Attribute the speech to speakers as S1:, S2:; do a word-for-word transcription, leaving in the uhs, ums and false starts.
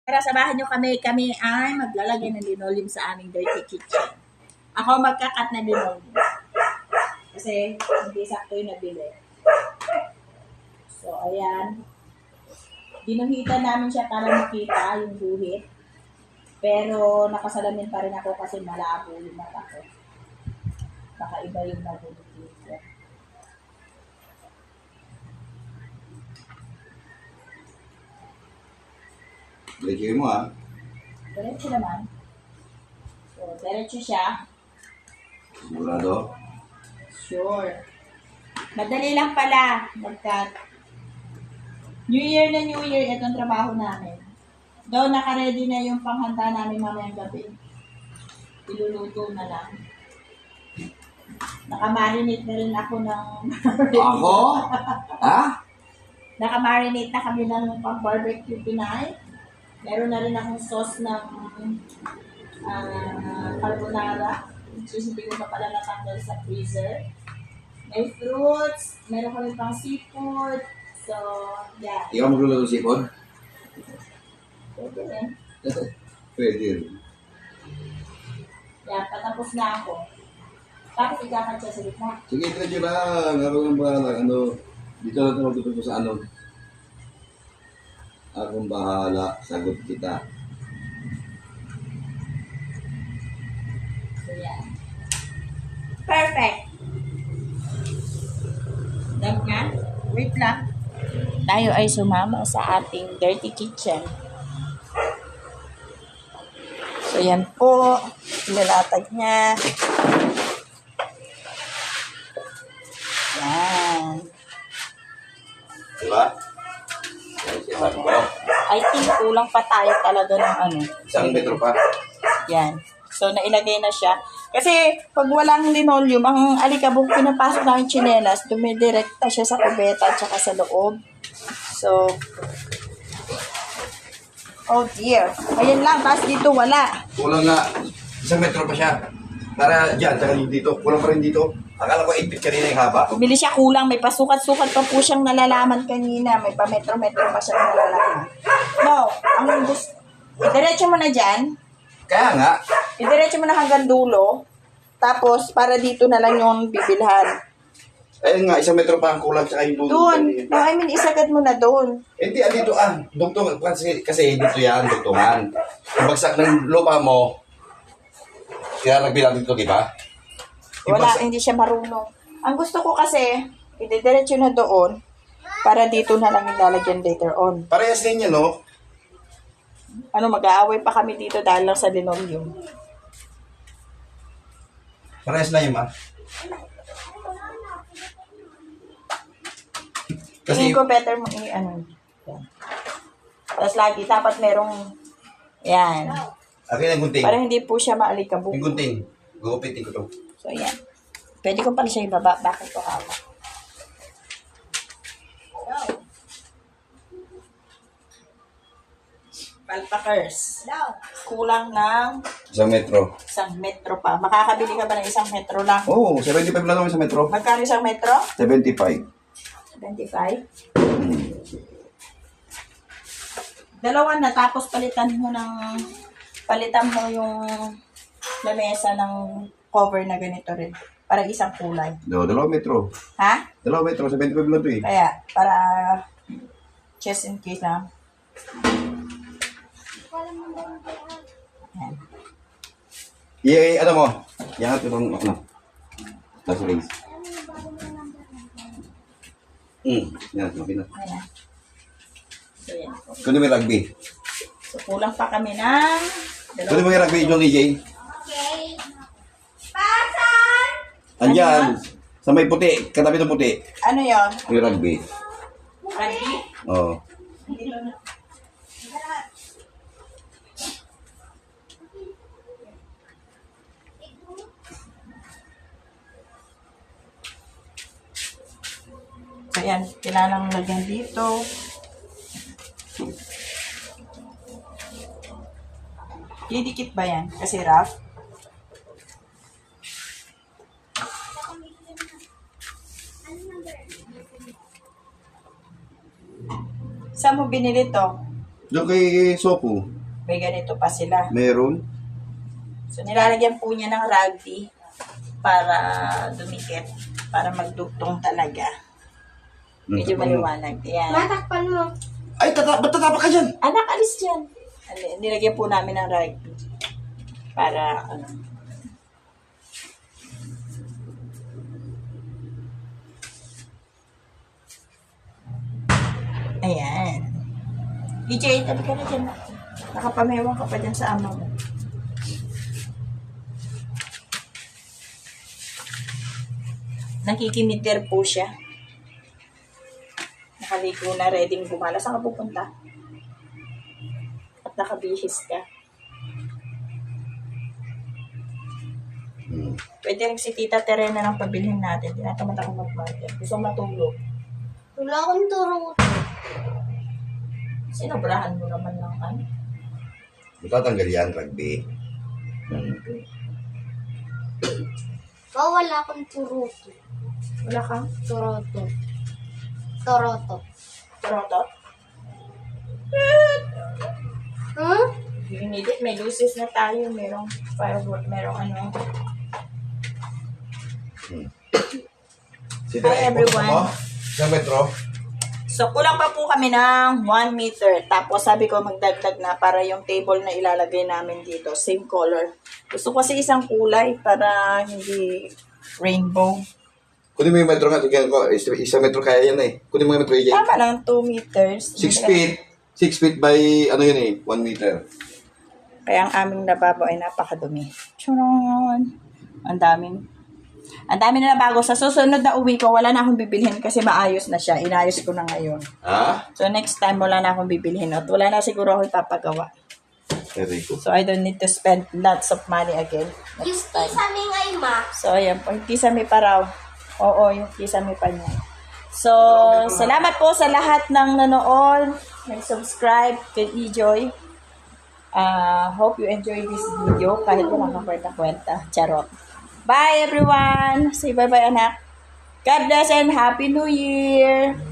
S1: Tara, samahan nyo kami. Kami ay maglalagay ng linoleum sa aming dirty kitchen. Ako magkakat na linoleum. Kasi hindi sakto yung nabili. So, ayan. Ginuhitan namin siya para makita yung guhit. Pero nakasalamin pa rin ako kasi malabo yung mata ko. Baka iba yung nabulot dito.
S2: Diretso mo ah.
S1: Diretso naman. So, diretso siya.
S2: Sigurado.
S1: Sure. Madali lang pala. Magkat. New Year na New Year, itong trabaho namin. Though naka-ready na yung panghanda namin mamayang gabi. Iluluto na lang. Naka-marinate na rin ako ng...
S2: Ako? Ha?
S1: Naka-marinate na kami ng pang-barbecue tonight. Meron na rin akong sauce ng uh, carbonara. Which is hindi ko pa pala natanggal sa freezer. May fruits. Meron kami pang seafood. So, yeah.
S2: Ikaw magluluto ng sipon?
S1: Pwede rin.
S2: Pwede rin.
S1: Yeah, patapos na ako. Tapos ikakat siya sa gitna.
S2: Sige, diretso lang. Habang ang bahala. Ano, dito lang ito magtutupo sa ano. Akong bahala. Sagot kita.
S1: So, yeah. Perfect. Dab nga. Wait lang. Tayo ay sumama sa ating dirty kitchen. So, yan po. Ilalatag niya. Yan.
S2: Diba? Yan, ko.
S1: I think kulang pa tayo talaga ng ano.
S2: Isang metro pa.
S1: Yan. So, nailagay na siya. Kasi, pag walang linoleum, ang alikabok pinapasok ng chinelas, dumidirekta siya sa kubeta at saka sa loob. So, oh dear. Ayan lang, tapos dito wala.
S2: Kulang nga. Isang metro pa siya. Para dyan, tsaka dito. Kulang pa rin dito. Akala ko eight feet kanina yung haba.
S1: Bumili siya kulang, may pasukat-sukat pa po siyang nalalaman kanina. May pa-metro-metro pa siyang nalalaman. No, ang gusto, idiretso mo na dyan.
S2: Kaya nga.
S1: Idiretso mo na hanggang dulo. Tapos, para dito na lang yung bibilhan.
S2: Ayun nga, isang metro pa ang kulang tsaka yung dulo.
S1: Doon. No, I mean, isagad mo na doon.
S2: Hindi, ah, dito ah. Dugtong, kasi, kasi dito yan, dugtungan. Yung bagsak ng lupa mo, kaya nagbilang dito, di ba? Yung
S1: Wala,
S2: bagsak-
S1: hindi siya marunong. Ang gusto ko kasi, ididiretso na doon. Para dito na lang ilalagyan later on.
S2: Parehas din yan, no?
S1: Ano, mag-aaway pa kami dito dahil lang sa linoleum.
S2: Parehas na yun, ah.
S1: Tingin
S2: Kasi,
S1: ko better mo i ano. Yan. Tapos lagi, dapat merong, yan.
S2: akin ang gunting.
S1: Para hindi po siya maalikabok.
S2: Yung gunting. Gugupitin ko to.
S1: So, yan. Pwede ko pala siya ibaba. Bakit ko hawak? Palpakers. Kulang ng
S2: Isang metro.
S1: isang metro pa. Makakabili ka ba ng isang metro lang?
S2: Oo, oh, seventy-five lang naman sa metro.
S1: Magkano isang metro?
S2: seventy-five.
S1: twenty-five. Dalawa na, tapos palitan mo ng, palitan mo yung lamesa ng cover na ganito rin. Para isang kulay.
S2: Do, dalawang metro.
S1: Ha?
S2: Dalawang metro, seventy-five lang to eh.
S1: Kaya, para just in case na. Yan.
S2: I, ano mo? Yan at itong, ano? Last race. Hmm, yan, okay na.
S1: Ayan. So, yan.
S2: Kunin mo yung rugby.
S1: So, kulang pa kami ng
S2: Kunin mo yung rugby, John E J.
S3: Okay. Pasan!
S2: Andyan. Sa may puti, katabi ng puti.
S1: Ano yon?
S2: Yung rugby.
S1: Rugby?
S2: Oo.
S1: Dito na. So, yan. Kailangan lagyan dito. Didikit ba yan? Kasi rough. Saan mo binili to?
S2: Doon kay Sopo,
S1: May ganito pa sila.
S2: meron.
S1: So, nilalagyan po niya ng rugby para dumikit, para magdugtong talaga. Medyo maliwanag. Ayan.
S3: Matakpan mo.
S2: Ay, tata ba't tatapak ka dyan?
S1: Anak, alis dyan. Ali- Nilagyan po namin ng rugby. Para, ano. Ayan. E J, tabi ka na dyan. Nakapamewang ka pa dyan sa ama mo. Nakikimitir po siya. Nakaligo na, ready gumala. Saan ka pupunta? At nakabihis ka.
S2: Hmm.
S1: Pwede rin si Tita Terena ng pabilhin natin. Tinatamad ako mag-market. Gusto ko matulog.
S3: Wala akong turo.
S1: Sinobrahan mo naman ng ano.
S2: Matatanggal yan, rugby. Hmm.
S3: Oh, wala akong turuto.
S1: Wala kang
S3: Turoto. Toroto.
S1: trotot?
S3: Huh?
S1: You need it. May luces na tayo. Merong firework. Merong ano.
S2: Si
S1: Hi, everyone.
S2: Sa metro.
S1: So, kulang pa po kami ng one meter. Tapos, sabi ko magdagdag na para yung table na ilalagay namin dito. Same color. Gusto ko kasi isang kulay para hindi rainbow.
S2: Kunin mo yung metro nga. Tingnan ko. Isa, isa metro kaya yan eh. Kunin mo yung metro yan.
S1: Tama lang, two meters.
S2: Six feet. Six feet by ano yun eh. One meter.
S1: Kaya ang aming lababo ay napakadumi. Churon! Ang daming. Ang dami na bago. Sa susunod na uwi ko, wala na akong bibilhin kasi maayos na siya. Inayos ko na ngayon.
S2: Ha?
S1: So next time, wala na akong bibilhin. At wala na siguro ako ipapagawa.
S2: Very good.
S1: So I don't need to spend lots of money again.
S3: Yung
S1: Next time.
S3: kisame nga ma.
S1: So ayan po. Yung kisame pa raw. Oo, yung kisame pa niya. So, salamat po sa lahat ng nanood. Nag-subscribe kay E-Joy. Uh, hope you enjoy this video kahit wala kang kwenta-kwenta. Charot. Bye everyone! Say bye-bye anak. God bless and Happy New Year!